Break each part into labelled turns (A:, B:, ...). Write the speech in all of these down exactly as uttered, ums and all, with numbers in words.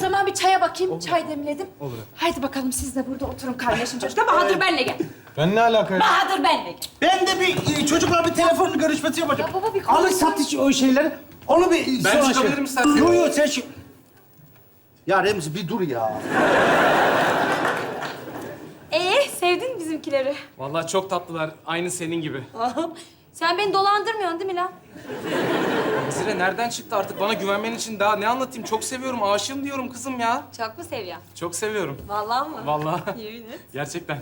A: zaman bir çaya bakayım. Çay demledim.
B: Olur.
A: Haydi bakalım siz de burada oturun kaynaşın çocuklar. Bahadır benle gel.
B: Ben ne alaka?
A: Bahadır benle gel.
C: Ben de bir e, çocukla bir telefon görüşmesi yapacağım.
A: Ya baba bir konuş.
C: Alın satış o şeyleri. Onu bir
B: Ben
C: sonra
B: çıkabilirim
C: şey-
B: istersen.
C: Yo yo sen şu... Ya Remzi bir dur ya.
A: Ee, sevdin mi bizimkileri?
B: Vallahi çok tatlılar. Aynı senin gibi.
A: Sen beni dolandırmıyorsun değil mi lan?
B: Zire nereden çıktı artık? Bana güvenmen için daha ne anlatayım? Çok seviyorum, aşığım diyorum kızım ya.
A: Çok mu seviyorsun?
B: Çok seviyorum.
A: Vallahi mı?
B: Vallahi.
A: Yemin et.
B: Gerçekten.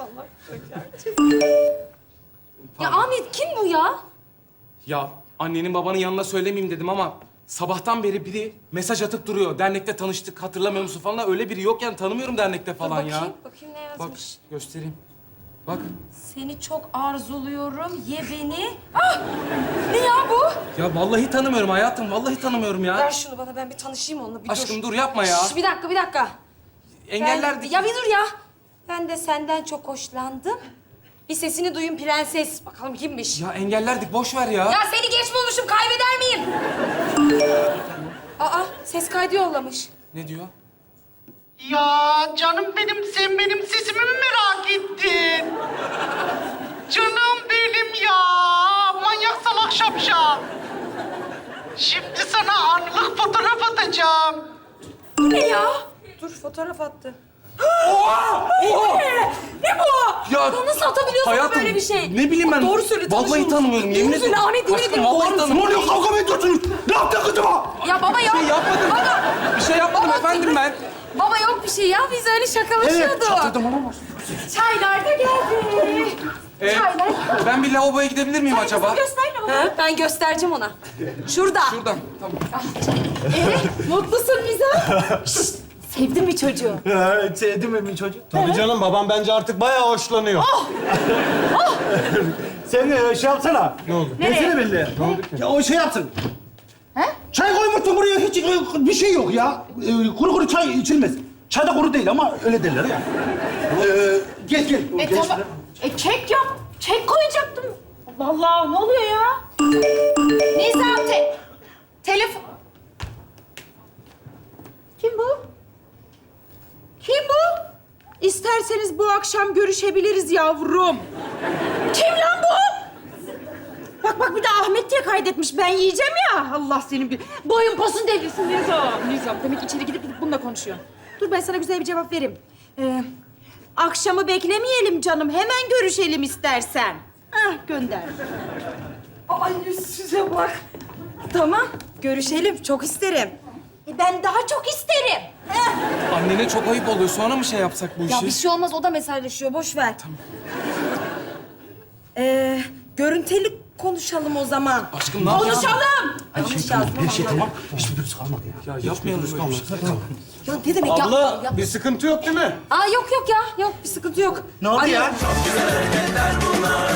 A: Ya Ahmet kim bu ya?
B: Ya annenin babanın yanına söylemeyeyim dedim ama sabahtan beri biri mesaj atıp duruyor. Dernekte tanıştık, hatırlamıyor musun falan. Öyle biri yok yani, tanımıyorum dernekte falan
A: Dur
B: ya.
A: bakayım, bakayım ne
B: Bak,
A: yazmış.
B: göstereyim. Bak.
A: Seni çok arzuluyorum, ye beni. Ah! Ne ya bu?
B: Ya vallahi tanımıyorum hayatım, vallahi tanımıyorum ya.
A: Ver şunu bana, ben bir tanışayım onunla, bir
B: Aşkım
A: dur.
B: dur yapma ya.
A: Şş, bir dakika, bir dakika.
B: Engellerdik.
A: Ben- Ya bir dur ya. Ben de senden çok hoşlandım. Bir sesini duyun prenses. Bakalım kimmiş?
B: Ya engellerdik, boş ver ya.
A: Ya seni geç bulmuşum, kaybeder miyim? Aa, ses kaydı yollamış.
B: Ne diyor?
D: Ya canım benim, sen benim sesimi mi merak ettin? Canım benim ya, manyak salak şapşal. Şimdi sana anlık fotoğraf atacağım.
A: Bu ne ya? Dur, fotoğraf attı.
B: Oha! Oha!
A: Ne bu?
B: Ya,
A: Ya nasıl atabiliyorsun
B: hayatım,
A: böyle bir şey?
B: ne bileyim ben.
A: Doğru söyle,
B: Vallahi
A: tanışıyor musun?
B: tanımıyorum, yemin
A: Doğru söyle
B: ederim.
A: Ahmet, yemin
B: Aşkım,
A: ederim.
B: vallahi
A: doğru
B: tanımıyorum.
C: Ne oluyor? Kavga mı ediyorsunuz? Ne yaptın kızıma?
A: Ya baba yok.
B: Bir şey yapmadım.
A: Baba.
B: Bir şey yapmadım
A: Baba,
B: efendim ben.
A: Baba yok bir şey ya, biz öyle şakalaşıyorduk.
C: Çatırdım ama.
A: Çaylar da geldi.
B: Ee,
A: Çaylar.
B: ben bir lavaboya gidebilir miyim acaba?
A: Göster mi? Ben göstereceğim ona. Şurada.
B: Şuradan. Tamam.
A: Ee, mutlusun Nizam. Şşt, sevdin mi çocuğu?
C: Ha, sevdim mi çocuk?
E: Tabii canım, babam bence artık bayağı hoşlanıyor.
C: Sen e, şey yapsana.
E: Ne oldu?
C: Nesine belli? Ne oldu ki? Ya o şey yapsın.
A: He?
C: Çay koymuşsun buraya, hiç e, bir şey yok ya. E, kuru kuru çay içilmez. Çay da kuru değil ama öyle derler ya. Ee, gel gel.
A: E
C: Gel
A: tamam.
C: şuraya.
A: E kek yap. Kek koyacaktım. Allah Allah, ne oluyor ya? Nizam te... Telefon... Kim bu? Kim bu?
F: İsterseniz bu akşam görüşebiliriz yavrum.
A: Kim lan bu?
F: Bak bak bir de Ahmet diye kaydetmiş. Ben yiyeceğim ya. Allah senin bir... Boyun posun devrilsin Nizam. Nizam demek içeri gidip gidip bununla konuşuyor. Dur ben sana güzel bir cevap vereyim. Ee, akşamı beklemeyelim canım. Hemen görüşelim istersen. Hah gönder.
A: Ay yüzsüze bak.
F: Tamam görüşelim. Çok isterim.
A: E ben daha çok isterim.
B: Annene çok ayıp oluyor. Sonra mı şey yapsak bu
A: Ya
B: işi?
A: bir şey olmaz, o da mesajlaşıyor. Boş ver.
F: Ee, görüntülü konuşalım o zaman.
B: Aşkım ne yapıyorsun?
F: Konuşalım.
C: Her şey tamam. Hiçbir virüs kalmadı ya.
B: Ya yapmayalım böyle bir şey.
A: Ya ne demek ya?
E: Abla,
A: ya?
E: bir sıkıntı yok değil mi?
A: Aa yok yok ya. Yok bir sıkıntı yok.
C: Ne oldu
A: Ay,
C: ya?
G: Hareketler bunlar